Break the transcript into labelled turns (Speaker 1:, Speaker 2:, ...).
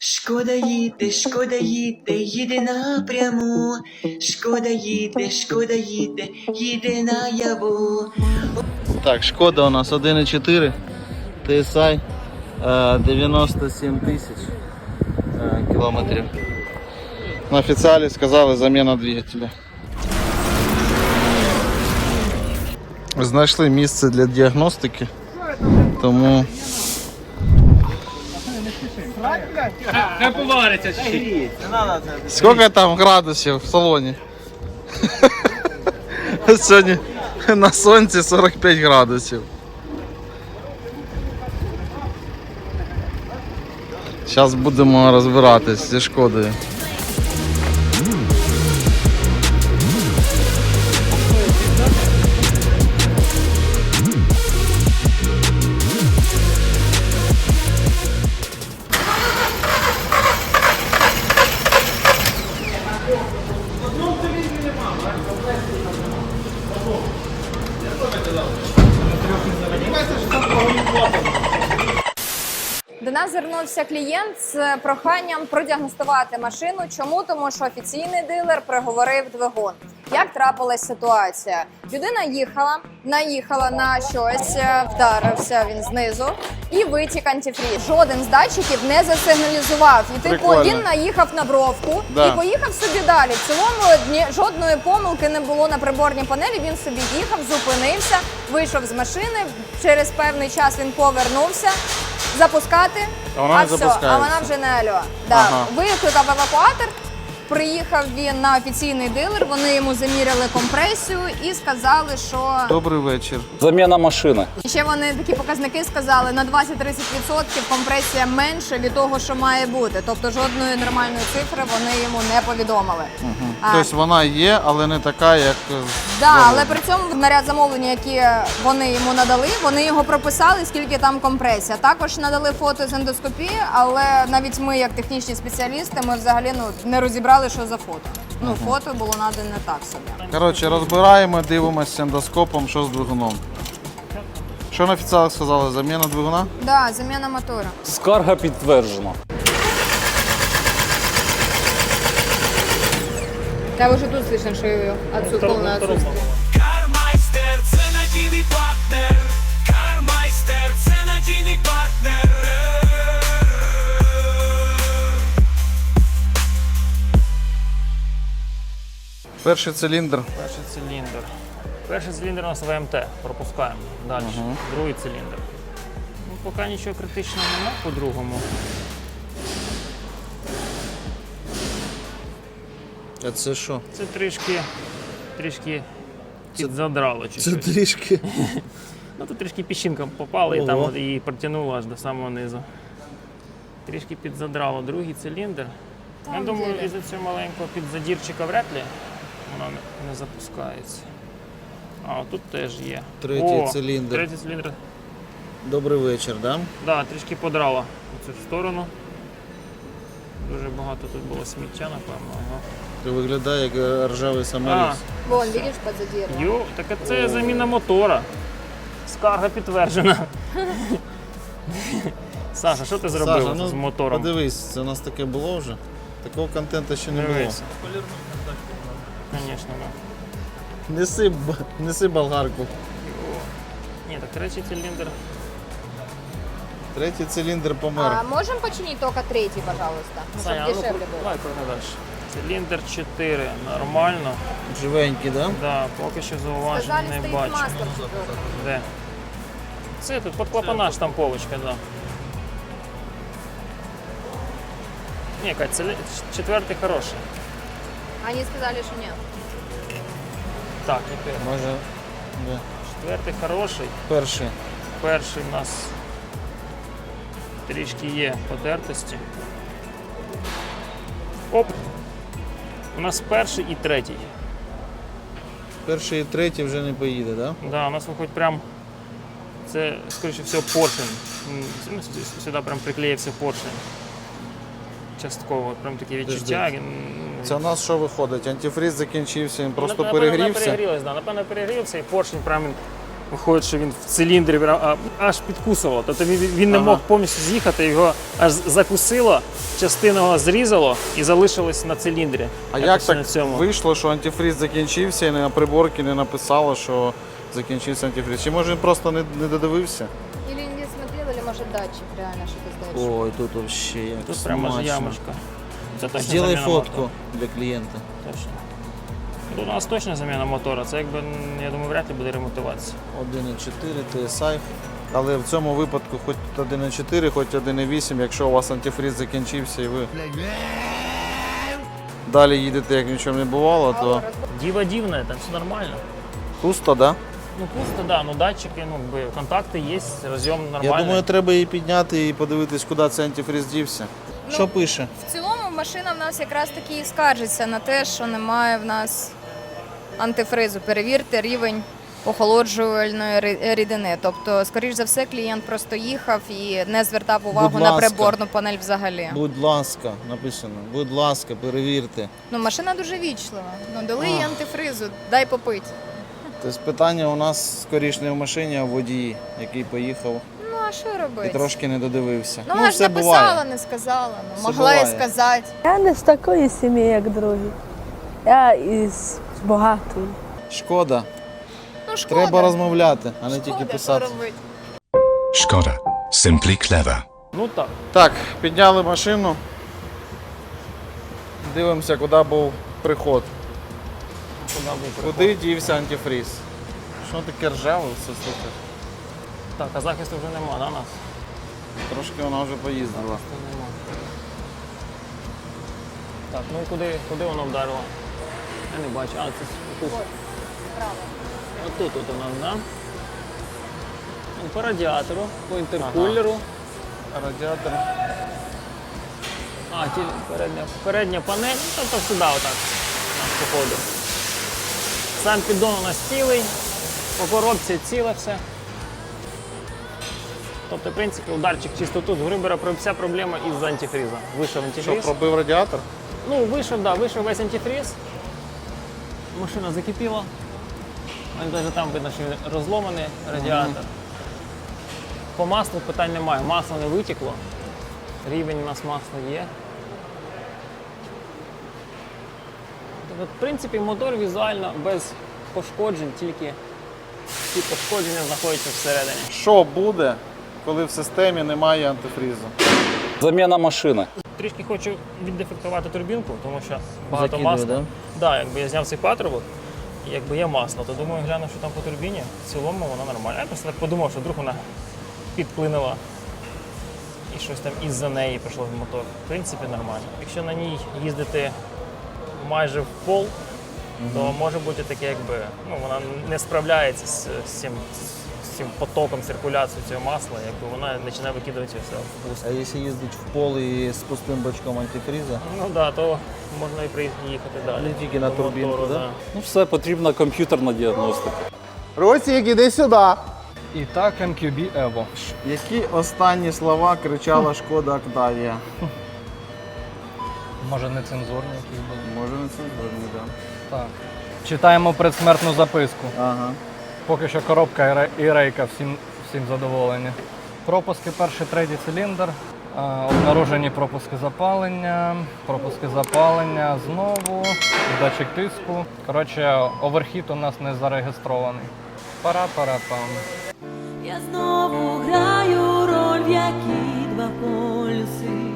Speaker 1: Шкода їде напряму. Шкода їде, їде наяву.
Speaker 2: Так, Шкода у нас 1.4 TSI, 97 тисяч кілометрів. На офіціалі сказали заміна двигателя. Знайшли місце для діагностики, тому
Speaker 3: Не повариться чи?
Speaker 2: скільки там градусів в салоні? Сьогодні на сонці 45 градусів. Зараз будемо розбиратись зі Шкодою.
Speaker 4: До нас звернувся клієнт з проханням продіагностувати машину. Чому? Тому що офіційний дилер приговорив двигун. Як трапилась ситуація? Людина наїхала на щось, вдарився він знизу і витік антифріз. Жоден з датчиків не засигналізував. І він наїхав на бровку і поїхав собі далі. В цілому жодної помилки не було на приборній панелі. Він собі їхав, зупинився, вийшов з машини. Через певний час він повернувся. Запускати,
Speaker 2: а
Speaker 4: вона вже не альо. Ага. Викликав евакуатор, приїхав він на офіційний дилер, вони йому заміряли компресію і сказали, що...
Speaker 2: Добрий вечір.
Speaker 5: Заміна машини.
Speaker 4: І ще вони такі показники сказали, на 20-30% компресія менше від того, що має бути. Тобто жодної нормальної цифри вони йому не повідомили.
Speaker 2: Тобто вона є, але не така, як...
Speaker 4: Але при цьому наряд замовлення, які вони йому надали, вони його прописали, скільки там компресія. Також надали фото з ендоскопії, але навіть ми, як технічні спеціалісти, ми взагалі не розібрали, що за фото. Фото було надане так собі.
Speaker 2: Коротше, розбираємо, дивимося ендоскопом, що з двигуном. Що на офіціалах сказали? Заміна двигуна?
Speaker 4: Так, заміна мотора.
Speaker 5: Скарга підтверджена.
Speaker 4: Да, уже тут слышно, что ее полное отсутствие.
Speaker 6: Кармайстер, це надійний партнер. Кармайстер, це надійний партнер.
Speaker 2: Перший циліндр.
Speaker 3: Перший циліндр у нас ВМТ. Пропускаємо. Далі. Другий циліндр. Поки нічого критичного немає по-другому.
Speaker 2: А це що?
Speaker 3: Це трішки підзадрало чуть-чуть.
Speaker 2: Це трішки.
Speaker 3: Тут трішки піщинка попала і там її протягнуло аж до самого низу. Трішки підзадрало другий циліндр. Я думаю, із-за цього маленького підзадірчика вряд ли воно не запускається. А тут теж є.
Speaker 2: Третій циліндр.
Speaker 3: Третій циліндр.
Speaker 2: Добрий вечір, да?
Speaker 3: Так, трішки подрало в цю сторону. Дуже багато тут було сміття, напевно.
Speaker 2: Виглядає як ржавий саморіз.
Speaker 4: Вон, видиш, подзадірував.
Speaker 3: Так це заміна мотора. Скарга підтверджена. Саша, що ти зробив з мотором?
Speaker 2: Подивись, це у нас таке було вже. Такого контенту ще не було.
Speaker 3: Звісно, так.
Speaker 2: Неси болгарку.
Speaker 3: Ні, так третій циліндр.
Speaker 2: Третій циліндр помер.
Speaker 4: А можем починить только третий, пожалуйста?
Speaker 3: Саня,
Speaker 4: Чтобы дешевле было.
Speaker 3: давай далі. Циліндр 4, нормально.
Speaker 2: Живенький, да?
Speaker 3: Да, поки що зауважень
Speaker 4: Сказали,
Speaker 3: не
Speaker 4: стоит
Speaker 3: бачу.
Speaker 4: мастер четвертый.
Speaker 3: Де? Це тут під клапана штамповочка, да. Ні, Кать, четвертий хороший.
Speaker 4: Они сказали, что нет.
Speaker 3: Так, тепер.
Speaker 2: Може, да.
Speaker 3: Четвертий хороший.
Speaker 2: Перший.
Speaker 3: Перший у нас трішки є потертості. Оп! У нас перший і третій.
Speaker 2: Перший і третій вже не поїде, так? Да?
Speaker 3: Да, у нас виходить прям, це, скоріше всього, поршень. Сюди прям приклеївся поршень. Частково, прям таке відчуття.
Speaker 2: Це у нас що виходить? Антифриз закінчився, він просто
Speaker 3: Напевно,
Speaker 2: перегрівся?
Speaker 3: Напевно, перегрівся, і поршень прям Виходить, що він в циліндрі аж підкусував. Тобто він не мог повністю з'їхати, його аж закусило, частину його зрізало і залишилось на циліндрі.
Speaker 2: А як
Speaker 3: Якось
Speaker 2: так
Speaker 3: на цьому.
Speaker 2: вийшло, що антифриз закінчився і на приборці не написало, що закінчився антифриз? Чи може він просто не додивився?
Speaker 4: Или не смотрел, или может датчик реально что-то сдает.
Speaker 7: Ой, тут вообще як
Speaker 3: Тут прямо ж
Speaker 7: смачно.
Speaker 3: ямочка. Це точно
Speaker 7: Сделай
Speaker 3: заміна
Speaker 7: фотку
Speaker 3: мотора.
Speaker 7: для клієнта.
Speaker 3: Точно. Тут у нас точно заміна мотора. Це якби, я думаю, вряд ли буде ремонтуватися.
Speaker 7: 1.4 TSI.
Speaker 2: Але в цьому випадку хоч 1.4, хоч 1.8, якщо у вас антифриз закінчився і ви далі їдете, як нічого не бувало, то
Speaker 3: Діва дивна, там все нормально.
Speaker 2: пусто, да?
Speaker 3: Ну пусто, да, ну датчики, ну якби контакти є, розйом нормальний.
Speaker 2: Я думаю, треба її підняти і подивитись, куди цей антифриз дівся.
Speaker 7: Що пише?
Speaker 4: В цілому машина в нас якраз таки і скаржиться на те, що немає в нас антифризу. Перевірте рівень охолоджувальної рідини. Тобто, скоріш за все, клієнт просто їхав і не звертав увагу
Speaker 7: Будь
Speaker 4: на
Speaker 7: ласка.
Speaker 4: приборну панель взагалі.
Speaker 7: Будь ласка, написано. Будь ласка, перевірте.
Speaker 4: Ну, машина дуже вічлива. Ну, дали їй антифризу, дай попити.
Speaker 2: Тобто питання у нас скоріш не в машині, а в водії, який поїхав
Speaker 4: Ну, а що
Speaker 2: і
Speaker 4: робити?
Speaker 2: трошки не додивився.
Speaker 4: Ну, вона ж
Speaker 2: все
Speaker 4: написала,
Speaker 2: буває.
Speaker 4: не сказала. Ну,
Speaker 2: Все
Speaker 4: могла і
Speaker 2: буває.
Speaker 4: сказати.
Speaker 8: Я не з такої сім'ї, як другі. Я із багатої.
Speaker 2: Шкода.
Speaker 4: Ну, шкода.
Speaker 2: Треба розмовляти, а не
Speaker 4: Шкода,
Speaker 2: тільки
Speaker 4: що
Speaker 2: писати.
Speaker 4: робити?
Speaker 9: Skoda. Simply clever.
Speaker 3: Ну так.
Speaker 2: Так, підняли машину. Дивимося, куди був приход. Куди дівся антифриз? Що таке ржаве все, слухай?
Speaker 3: Так, а захисту вже нема, да, нас?
Speaker 2: Трошки вона вже поїздила.
Speaker 3: Захисту нема. Так, ну і куди воно вдарило? Я не бачу. А, це тут. Отут от у нас, да? Ну, по радіатору, по інтеркулеру.
Speaker 2: Радіатор.
Speaker 3: А, передня панель, ну, тобто сюди отак, походу. Сам піддон у нас цілий, по коробці ціле все. Тобто, в принципі, ударчик чисто тут, грубо говоря, вся проблема із антифриза. Вийшов
Speaker 2: Що,
Speaker 3: антифриз.
Speaker 2: пробив радіатор?
Speaker 3: Ну, вийшов весь антифриз. Машина закипіла. Навіть там видно, що він розломаний радіатор. По маслу питань немає. Масло не витекло. Рівень у нас масла є. Тобто, в принципі, мотор візуально без пошкоджень, тільки ці пошкодження знаходяться всередині.
Speaker 2: Що буде, коли в системі немає антифризу?
Speaker 5: Заміна машини.
Speaker 3: Трішки хочу віддефектувати турбінку, тому що багато
Speaker 7: Закидує,
Speaker 3: масла.
Speaker 7: да?
Speaker 3: Да, якби я зняв цей патрубок, і якби є масло, то думаю, гляну, що там по турбіні. В цілому вона нормальна. Я просто так подумав, що вдруг вона підплинула і щось там із-за неї пішло в мотор. В принципі, нормально. Якщо на ній їздити майже в пол, то може бути таке, якби ну, вона не справляється з цим потоком циркуляції цього масла, якби вона починає викидувати все в пусто.
Speaker 7: А якщо їздить в пол і з пустим бачком антифриза?
Speaker 3: Ну так, да, то можна і приїхати далі.
Speaker 7: Не тільки на
Speaker 3: До
Speaker 7: турбінку,
Speaker 3: мотору,
Speaker 7: да?
Speaker 5: Ну все, потрібна комп'ютерна діагностика.
Speaker 2: Росік, іди сюди!
Speaker 10: І так MQB Evo.
Speaker 2: Які останні слова кричала Шкода Октавія?
Speaker 10: Може нецензурні якісь були.
Speaker 2: Може не це зверні, так.
Speaker 10: Так. Читаємо предсмертну записку.
Speaker 2: Ага.
Speaker 10: Поки що коробка і рейка всім задоволені. Пропуски перший, третій циліндр. Обнаружені пропуски запалення знову, датчик тиску. Коротше, оверхіт у нас не зареєстрований. Пара-пара-пам.
Speaker 11: Я знову граю роль, в якій два полюси.